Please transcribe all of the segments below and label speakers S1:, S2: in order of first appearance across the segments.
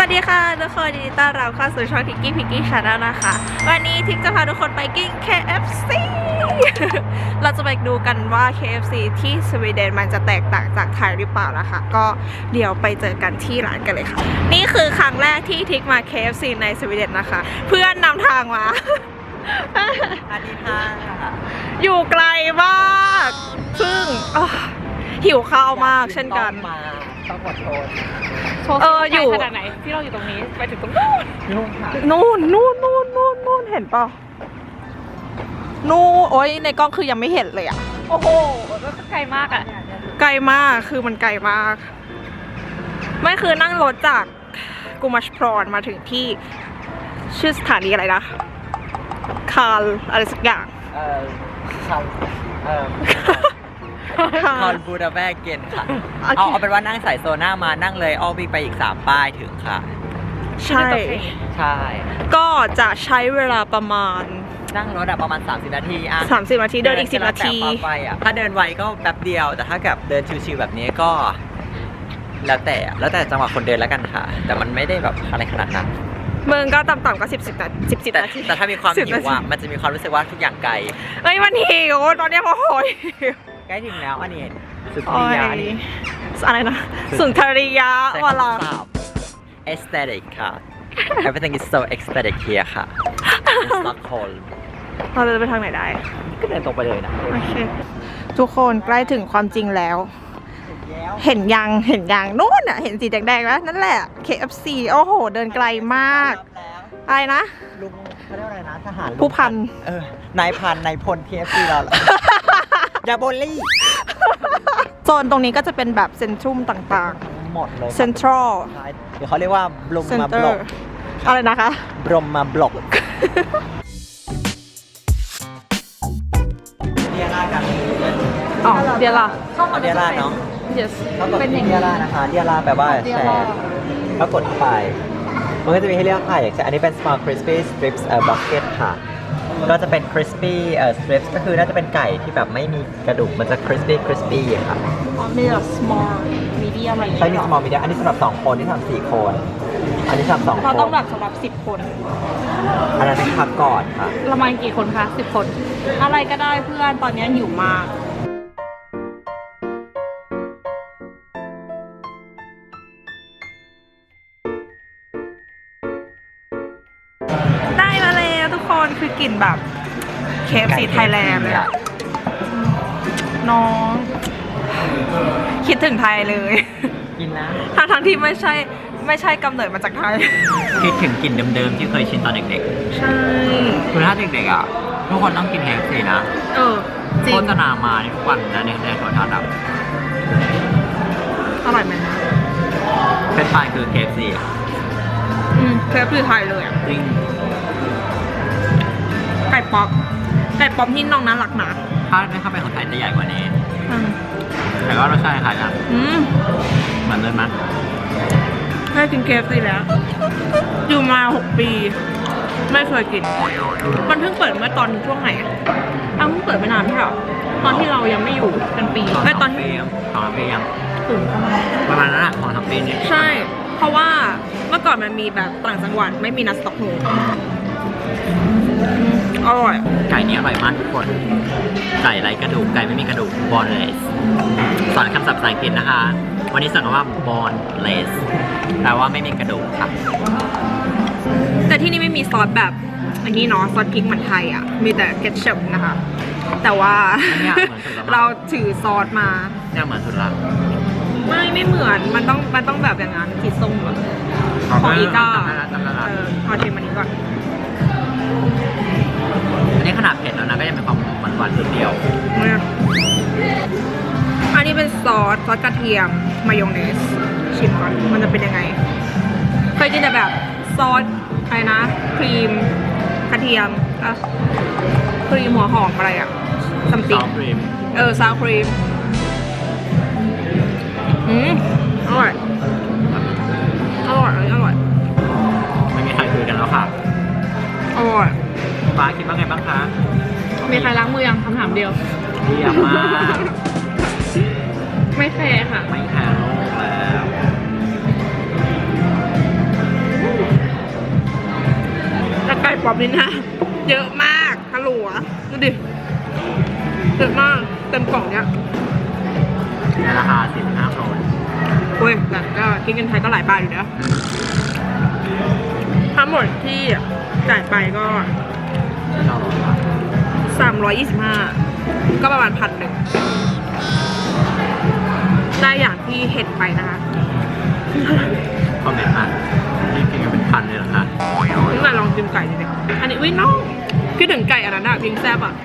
S1: วัสดีค่ะทุกคนยินดีต้อนรับเข้าสู่ช่องทิกกี้พิกกี้ชาแนลนะคะวันนี้ทิกจะพาทุกคนไปกิน KFC เราจะไปดูกันว่า KFC ที่สวีเดนมันจะแตกต่างจากไทยหรือเปล่านะคะก็เดี๋ยวไปเจอกันที่ร้านกันเลยค่ะนี่คือครั้งแรกที่ทิกมา KFC ในสวีเดนนะคะเพื่อนนำทางมา
S2: อันนี้ทาง
S1: อยู่ไกลมากซึ่งหิวข้าวมากเช่นกัน
S2: ต้องขอโทษ
S1: อยู่
S3: ขนาดไหนที่เราอยู่ตรงนี้ไปถึงตรง
S1: นู่นเห็นเปล่านู่นโอ้ยในกล้องคือยังไม่เห็นเลยอ่ะ
S3: โอ้โหก็ไกลมากอ่ะ
S1: ไกลมากคือมันไกลมากไม่คือนั่งรถจากกูมัชพรอนมาถึงที่ชื่อสถานีอะไรนะคาร์ลอะไรสักอย่าง
S2: คอนบูดาแบกเกนค่ะเอาเป็นว่านั่งสายโซน่ามานั่งเลยอ้อวิ่งไปอีก3ป้ายถึงค่ะ
S1: ใช่ก็จะใช้เวลาประมาณ
S2: นั่งรถประมาณ30 นาที
S1: 30 นาทีเดินอีก10 นาที
S2: ถ้าเดินไวก็แป๊บเดียวแต่ถ้ากับเดินชิวๆแบบนี้ก็แล้วแต่จังหวะคนเดินแล้วกันค่ะแต่มันไม่ได้แบบอะไรขนาดนั้น
S1: มึงก็ต่ำๆก็10 นาที
S2: แต่ถ้ามีความหิวมันจะมีความรู้สึกว่าทุกอย่างไกล
S1: มันหิวตอนนี้โอ้โห
S2: ใกล้ถึงแล้วอันนี้สุนทรียะนี่
S1: อะไรนะสุนทรียะวลา
S2: aesthetic ค่ะ everything is so aesthetic here ค่ะ Stockholm
S1: เราจะไปทางไหนได้
S2: ก็เดินตรงไปเลยนะ
S1: โอเคทุกคนใกล้ถึงความจริงแล้วเห็นยังนู่นอ่ะเห็นสีแดงๆแล้วนั่นแหละ KFC โอ้โหเดินไกลมากอะไรนะ
S2: ลุงเขาเรียกอะไรนะทหาร
S1: ผู้พัน
S2: นายพันนายพล KFC เรายาโบลี่
S1: โซนตรงนี้ก็จะเป็นแบบเซ็นทรัลต่าง
S2: ๆหมดเลย
S1: เซ็นทรัล
S2: เดี๋ยวเขาเรียกว่าบลมมาบล็อก
S1: อะไรนะคะ
S2: บลมมาบล็อกเดียร่ากัน
S1: เดียร่า
S2: เดียร่าเนาะ
S1: yes
S2: เป็นเดียร่านะคะเดียร่าแปลว่าแชร์แล้วกดเข้าไปมันก็จะมีให้เลือกค่ะอย่างเช่นอันนี้เป็น small crispy strips bucket ค่ะก็จะเป็น crispy strips ก็คือน่าจะเป็นไก่ที่แบบไม่มีกระดูกมันจะ crispy ค่ะ
S1: มี small medium อะไรอย่างเงี้ย
S2: ใช่มี small medium อันนี้สำหรับ2คนที่ทำ4คนอันนี้สำหรับ2คน
S1: เราต้องแบบสำหรับ10 คน
S2: อันนั้นเป็นพักก่อนค่ะ
S1: ประมาณกี่คนคะ10 คนอะไรก็ได้เพื่อนตอนนี้หิวมากได้มาแล้วทุกคนคือกลิ่นแบบ KFC ไทยแลนด์เลยอะน้องคิดถึงไทยเลย
S2: กินนะ
S1: ทั้งที่ไม่ใช่กำเนิดมาจากไทย
S2: คิดถึงกลิ่นเดิมๆที่เคยชินตอนเด็ก
S1: ๆใช่
S2: คือถ้าเด็กๆอ่ะทุกคนต้องกินKFCนะโฆษณามาทุกวันนะในโทรทัศน์
S1: อร่อยไหม
S2: เป็นป้ายคือKFC
S1: KFC ไทยเลย
S2: จริง
S1: ไก่ป๊อปที่น้องน่ารักนะ
S2: ถ้าไม่เข้าไปของไทยจะใหญ่กว่านี้แต่ก็รสชาติคล้ายกันเหมือนเลยมั้ย
S1: ได้กิน KFC แล้วอยู่มา6 ปีไม่เคยกินมันเพิ่งเปิดเมื่อตอนช่วงไหนเพิ่งเปิดไม่นานใช่หรอตอนที่เรายังไม่อยู่กันปี
S2: ตอนที่2 ปียัง
S1: ถึง
S2: ประมาณนั้น2 ปีนี้
S1: ใช่เพราะว่าเมื่อก่อนมันมีแบบต่างจังหวัดไม่มีนัดสต็อกโฮล์อร่อย
S2: ไก่นี้อร่อยมากทุกคนไก่ไร้กระดูกไก่ไม่มีกระดูก boneless สอนคำศัพท์ภาษาอังกฤษนะคะวันนี้สอนว่า boneless แปลว่าไม่มีกระดูกครับ
S1: แต่ที่นี่ไม่มีซอสแบบอันนี้เนาะซอสพริกเหมือนไทยอ่ะมีแต่เคทชัพนะคะแต่ว่าเราถือซอสมา
S2: เนี่ยเหมือนสุดละ
S1: ไม่เหมือนมันต้องแบบอย่างนั้นขีดส้มแบบของอีก้าขอชิมอันนี้ก่อน
S2: อันนี้ขนาดเผ็ดแล้วนะก็ยังมีความหวานๆเดียว
S1: อันนี้เป็นซอสกระเทียมมายองเนสชิมก่อนมันจะเป็นยังไงเคยกินแต่แบบซอสอะไรนะครีมกระเทียมครีมหัวหอมอะไรอะซัมติงซาวครีมอร่อย
S2: ไม่มีใครคุยกันแล้วค่ะ
S1: อร่อย
S2: ฟ้าคิดว่าไงบ้างคะ
S1: มีใครล้างมือยังคำถามเดียว
S2: เยี่ยมมาก
S1: ไม่แคร์ค่ะ
S2: ไม่แคร์โลกแล้ว
S1: นี่นะเยอะมากฮัลโหลดูดิเยอะมากเต็มกล่องเนี้ย
S2: ในราคา45 โครน
S1: โอ้ยแต่ก็คิดเงินไทยก็หลายบาทอยู่นะทั้งหมดที่จ่ายไปก็ 325 ก็ประมาณ1,000ได้อย่างที่เห็นไปนะคะ
S2: คอมเมนต์มานี่กินกันเป็นพันเลยเหรอคะ
S1: นี่ไงลองกินไก่ดิเนี่ยอันนี้อุ้ยน้องคิดถึงไก่อันนั้นอะวิงแซบอะ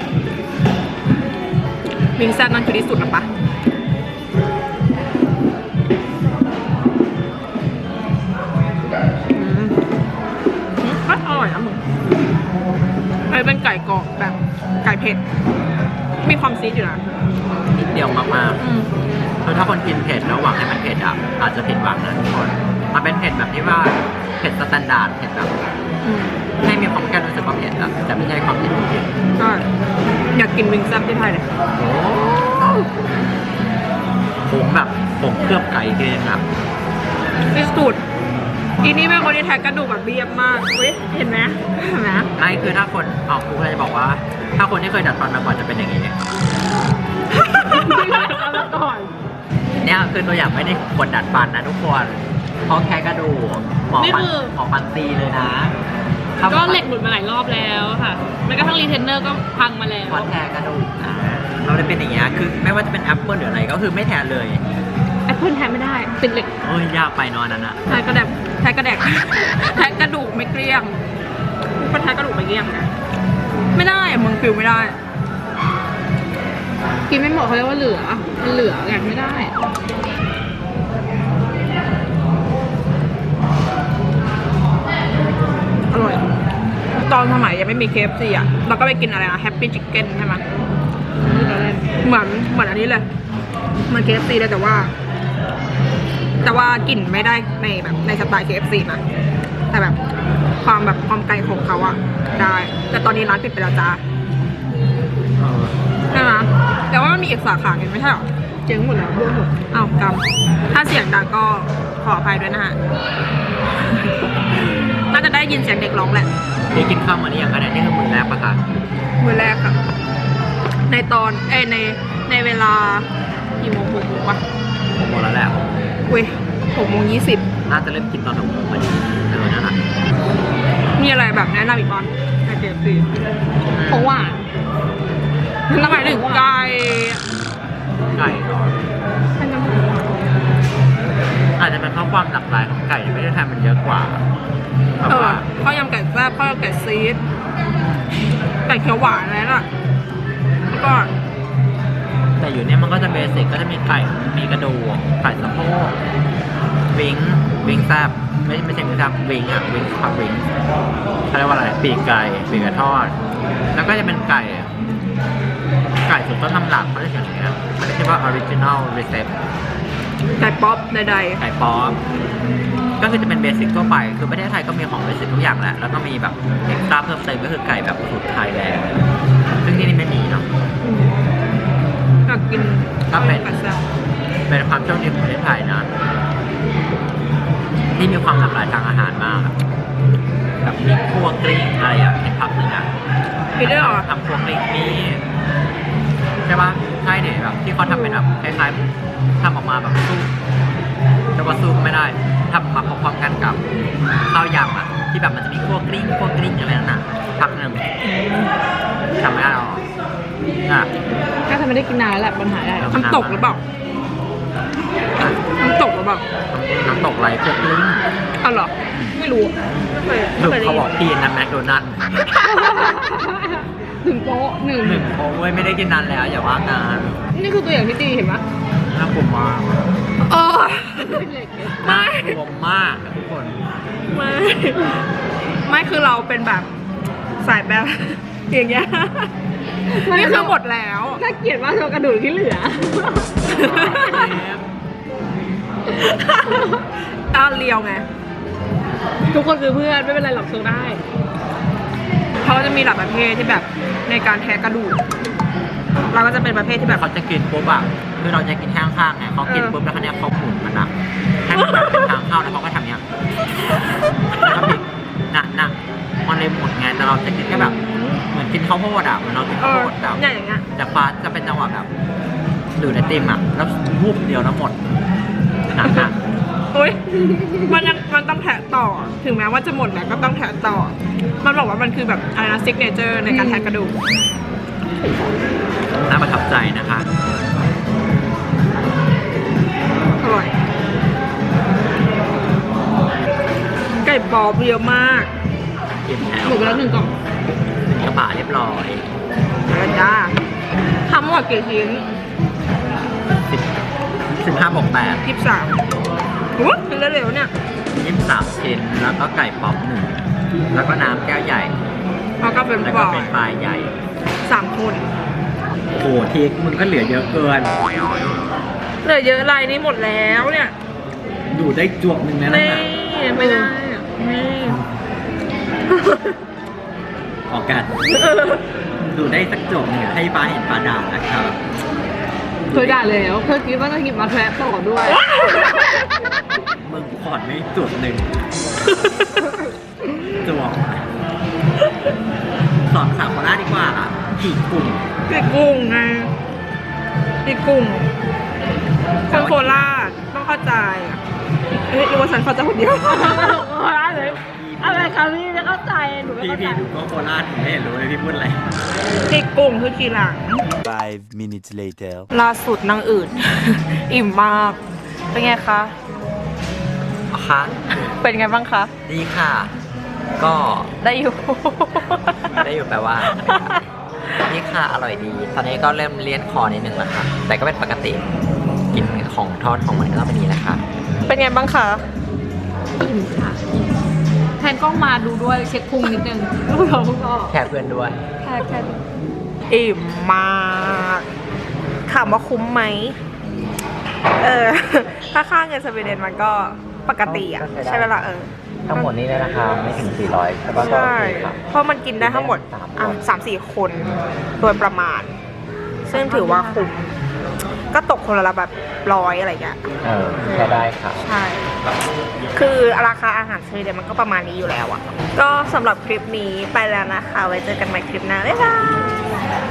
S1: วิงแซบนั่นคือที่สุดนะปะก็อร่อยนะมึงอันนี้เป็นไก่กรอบแบบไก่เผ็ดมีความซีดอยู่นะ
S2: นิดเดียวมากๆคือถ้าคนกินเผ็ดแล้วหวังให้มันเผ็ดอ่ะอาจจะผิดหวังนะทุกคนมันเป็นเผ็ดแบบที่ว่าเผ็ดสแตนดาร์ดเผ็ดแบบให้มีความแค่รู้สึกว่าเผ็ดอะแต่ไม่ใช่ความเผ็ดจริง
S1: ก็อยากกินวิงแซบที่ไทยเลย
S2: ๆโอ้ผมแบบผมเคลือบไก่ทีนึงครับ
S1: ที่สุดอีนี่เป็นคนที่แท็กกระดูกแบบเรียบมากเว้ยเห็นไหมเห็นไหม
S2: ไม่คือถ้าคนครูก็จะบอกว่า ถ้าคนที่เคยดัดฟันมาก่อนจะเป็นอย่างนี้เนี่ย
S1: เอาละก่อน
S2: เนี่ยคือตัวอย่างไม่ได้คนดัดฟันนะทุกคนเพราะแค่กระดูกหมอฟันตีเลยนะ
S3: ก็เหล็กหลุดมาหลายรอบแล้วค่ะแม้กระทั่งรีเทนเนอร์ก็พังมาแล้ว
S2: เพราะแทนกระดูกนะเราได้เป็นอย่างเงี้ยคือไม่ว่าจะเป็นแอปเปิลหรืออะไรก็คือไม่แทนเลย
S3: แอปเปิลแทนไม่ได้ติดเหล็ก
S2: โอ้ยยากไปเนอนนั้นอะ
S1: แท็กกระแดกแท็กกระแดกแท็กกระดูกไม่เกลี้ยงก็แท็กกระดูกไม่เกลี้ยงไงไม่ได้อะมึงฟิลไม่ได้
S3: กินไม่หมดเขาเรียกว่าเหลือมันเหลือแกไม่ได้
S1: อร่อย ตอนสมัยยังไม่มี KFC อ่ะเราก็ไปกินอะไรนะ Happy Chicken ใช่ไหมเหมือนอันนี้เลยเหมือน KFC เลยแต่ว่ากลิ่นไม่ได้ในสไตล์ KFC นะแต่แบบความไกลของเขาอะได้ แต่ตอนนี้ร้านปิดไปแล้วจ้าใช่ไหมแต่ว่ามันมีอีกสาขาหนึ่งไม่ใช่หรอ
S3: เจ๊งหมดแล้วรวมหมด
S1: อ้าวกำถ้าเสียงดังก็ขออภัยด้วยนะฮะ น่าจะได้ยินเสียงเด็กร้องแหละ
S2: นี่กินข้าวมาหรือยังคะเนี่ยนี่คือมื้อแรกปะคะ
S1: มือแรกค่ะ ในตอนในเวลากี่โมง6 โมงวะ
S2: ผมหมดแล้วแหละ
S1: อุ้ย6:20
S2: น่าจะเริ่มกินตอน6 โมงพอดีนั่นแหละ
S1: มีอะไรแบบแนะนำอีกบ้างในเจฟซี
S3: ของหวาน
S1: แล้วหมายถึงไก่
S2: ไก่เหรออาจจะเป็นเพราะความหลากหลายของไก่ในประเทศไทยมันเยอะกว่าแบบว่า
S1: ข้าวยำไก่แซ่บข้าวยำไก่ซีดไก่เขียวหวานอะไรน่ะแล้วก็
S2: แต่อยู่เนี่ยมันก็จะเบสิกก็จะมีไก่มีกระดูกไก่สะโพกวิงแซบไม่ใช่วิงแซบวิงอ่ะวิงผักวิงเขาเรียกว่าอะไรปีกไก่ทอด แล้วก็จะเป็นไก่สูตรต้นตำรับเขาเรียกอย่างเงี้ยมันเรียกว่า original recipe
S1: ไก่ป๊อปใด
S2: ไก่ป๊อปก็คือจะเป็นเบสิกทั่วไปคือประเทศไทยก็มีของเบสิกทุกอย่างแหละแล้วก็มีแบบเอ็กซ์ตร้าเพิ่มเติมก็คือไก่แบบสูตรไทยแลนด์ซึ่งที่นี่ไม่มีเนาะ
S1: ๆอยากกิน
S2: ก็เป็น
S1: ไก่แซ่บ
S2: เป็นความโชคดีของประเทศไทยนะที่มีความหลากหลายทางอาหารมากแบบมีคั่วกลิ้งอะไรอย่างเห็นภาพหนึ่งอ่ะ
S1: มีด้วยเหรอ
S2: ทำคั่วกลิ้งนี่ใช่ปะใช่เนี่ยแบบที่เขาทำเป็นแบบคล้ายๆทำออกมาแบบสู้แต่ว่าสู้ก็ไม่ได้ทำมาพร้อมๆกันกับข้าวยำอ่ะที่แบบมันจะมีคั่วกลิ้งอะไรนั่นน่ะพักหนึ่งจำไม่ได้หรอกอ่ะ
S3: ถ้าทำไม่ได้กินนานแล้วแหละปัญหาได้
S1: น้ำตกหรือเปล่าน้ำตกหรือเปล่า
S2: น้ำตกไรคั่วกลิ้ง
S1: อ๋อเหรอไม่รู้ไม่
S2: หรือ
S1: เคยได้
S2: เขา
S1: ยิ
S2: บอก
S1: น
S2: พี่นะแมคโดนัลด์
S3: ถึงโป๊ะหนึ่ง
S2: โอ้ยไม่ได้กินนานแล้วอย่าว่านาน
S3: นี่คือตัวอย่างที่ดีเห็นปะ
S2: น่ากลัวมาก
S1: โอ้ย
S3: เหล็ก
S2: น่ากลัวมากอะทุกคน
S1: ไม่คือเราเป็นแบบสายแบบอย่างเงี้ยนี่คือหมดแล้ว
S3: น่าเกลียดมากโชว์กระดูกที่เหลือ
S1: ตาเลียวไง
S3: ทุกคนคือเพื่อนไม่เป็นไรหรอกโชว์ได้
S1: เขาก็จะมีหลายประเภทที่แบบในการแทะกระดูก เราก็จะเป็นประเภทที่แบบ
S2: เขาจะกินปุ๊บอะคือเราจะกินข้างๆไงเขากินปุ๊บแล้วเขาเนี่ยเขาหมุนมันนะให้มันแบบเป็นทางเข้าแล้วเขาก็ทำเนี้ยแล้วก็พลิกน่ะมันเลยหมุนไงเราจะกินแค่แบบเหมือนกินข้าวโพดอ่ะเหมือนเรากินข้าวโพดแบบ
S1: เนี่ยอย่างเงี้ย
S2: แต่ฟ้าจะเป็นจังหวะแบบดูดไอติมอ่ะแล้ววูบเดียวแล้วหมดหนักอ่ะ
S1: อุ้ยมันต้องแทะต่อ ถึงแม้ว่าจะหมดแล้วก็ต้องแทะต่อ มันบอกว่ามันคือแบบอะไรนะซิกเนเจอร์ในการแทะกระดูก
S2: น่าประทับใจนะคะ
S1: อร่อย ไก่ปอบเยอะมาก
S2: กินแถว
S3: หมดไปแล้ว1 กล่อง
S2: กระบะเรียบร้อย
S1: แล้วจ้าทำหมดกี่ชิ้น
S2: 15บวก8
S1: 23อู้กินเร็วๆเนี่ย
S2: 23ชิ้นแล้วก็ไก่ป๊อป1แล้วก็น้ำแก้วใหญ่
S1: แล้วก็เป็น
S2: แล้ว
S1: ป
S2: ก็
S1: อ
S2: เป็นปลายใหญ่
S1: 3 คน
S2: โอ้โหทีมึงก็เหลือเยอะเกิน
S1: เหลือเยอะไรนี่หมดแล้วเนี่ย
S2: ดูได้จวบหนึ่งแล้วนะ
S1: นี่ไม่ได้อะนี่
S2: ออกกัน ดูได้สักจบหนึ่งให้ป้าเห็นป้าด่านะครับ
S3: เคยด่าแล้วเคยคิดว่าจะหยิบมาแทรปต่อด้วย
S2: มึงขอดไม่จวบหนึ่งจวบสอนภาษาโคราชดีกว่าผีกลุ่ม
S1: ปีกกุ้งไงปีกกุ้งคนโคราชต้องเข้าใจเอ้ยรู้ว่าฉันเข้าใจคนเดียว
S3: อะไรคะพี่จะเข้าใจหนูไม่
S2: พี่
S3: เข้าใจ
S2: ดูก็โคราชผมไม่เห็นรู้เลยพี่พูดอะไร
S1: ปีกกุ้งคือทีหลัง
S4: 5 minutes later.
S1: ล่าสุดนางอื่น อิ่มมาก เป็นไงคะ
S2: คะ
S1: เป็นไงบ้างคะ
S2: ดีค่ะ ก็
S1: ได้อยู่
S2: ได้อยู่แปลว่า นี่ค่ะอร่อยดี ตอนนี้ก็เริ่มเลี่ยนคอนิดนึงแล้วค่ะ แต่ก็เป็นปกติ กินของทอดของมันก็ต้องเป็นนี้แหละค่ะ
S1: เป็นไงบ้างคะ
S3: อิ่มค่ะอิ่มแทนกล้องมาดูด้วยเช็คพุงนิดนึงลูกเราพวกเรา
S2: แค่เพื่อนด้วย
S3: แค่
S1: อิ่มมากถามว่าคุ้มไหม ถ้าค่าเงินสวีเดนมันก็ปกติอ่ะ
S2: ก็ใช้ได้
S1: ใช่ไหมล่ะ
S2: ทั้งหมดนี้เลยนะคะไม่ถึง 400แต่ว่าก็
S1: ใช่
S2: โอเคค่ะ
S1: เพราะมันกินได้ทั้งหมด 3-4 คนโดยประมาณ ซึ่งถือว่าคุ้ม ก็ตกคนละแบบ100อะไรอย่างเงี้ย
S2: แค่ได้ค่ะ
S1: ใช่ คือราคาอาหารสวีเดนมันก็ประมาณนี้อยู่แล้วอะก็สำหรับคลิปนี้ไปแล้วนะคะ ไว้เจอกันใหม่คลิปหน้า บ๊ายบาย